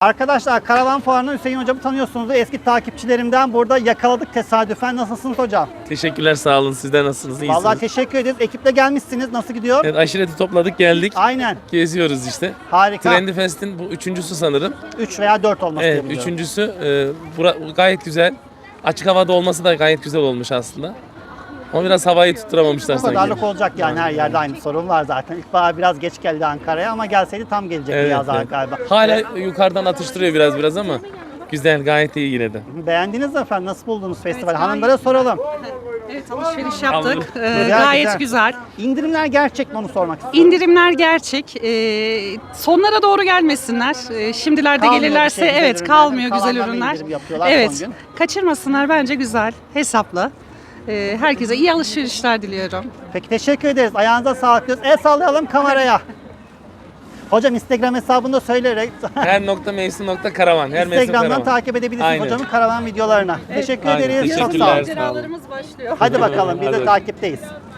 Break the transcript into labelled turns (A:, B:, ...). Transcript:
A: Arkadaşlar Karavan Fuarı'nda Hüseyin hocamı tanıyorsunuz. Eski takipçilerimden burada yakaladık tesadüfen. Nasılsınız hocam?
B: Teşekkürler, sağ olun. Sizler nasılsınız? İyisiniz?
A: Vallahi teşekkür ederiz. Ekiple gelmişsiniz. Nasıl gidiyor?
B: Evet, aşireti topladık geldik.
A: Aynen.
B: Geziyoruz işte.
A: Harika.
B: Trendy Fest'in bu üçüncüsü sanırım.
A: 3 veya 4 olması
B: Evet,
A: gerekiyor.
B: üçüncüsü. Gayet güzel. Açık havada olması da gayet güzel olmuş aslında. Ama biraz havayı tutturamamışlar
A: Bu
B: sanki.
A: kadarlık olacak yani, her yerde aynı sorun var zaten. İlkbahar biraz geç geldi Ankara'ya ama gelseydi tam gelecekti
B: Evet,
A: yaz
B: evet.
A: galiba.
B: Hala yukarıdan atıştırıyor biraz ama güzel, gayet iyi yine de.
A: Beğendiniz mi efendim? Nasıl buldunuz festivali? Hanımlara soralım.
C: Evet, alışveriş yaptık.
B: Aldım.
C: Gayet güzel.
A: İndirimler gerçek mi, onu sormak istiyorum.
C: İndirimler gerçek. Sonlara doğru gelmesinler. Şimdilerde
A: Kalmıyor
C: gelirlerse
A: bir şey, güzel
C: evet
A: ürünler.
C: kalmıyor güzel
A: Kalanlarına
C: ürünler.
A: indirim yapıyorlar son
C: Evet.
A: gün.
C: Kaçırmasınlar, bence güzel, hesaplı. Herkese iyi alışverişler diliyorum.
A: Peki teşekkür ederiz. Ayağınıza sağlık diyoruz. El sallayalım kameraya. Hocam Instagram hesabını da söyleyerek
B: Her.mevsim.karavan. Her mevsim
A: Instagram'dan
B: karavan.
A: takip edebilirsiniz
B: Aynen.
A: hocamın karavan videolarına. Teşekkür
B: Aynen,
A: ederiz. Çok sağ
B: teşekkürler.
A: olun.
C: Maceralarımız başlıyor.
A: Hadi bakalım, biz de
B: Hadi.
A: takipteyiz.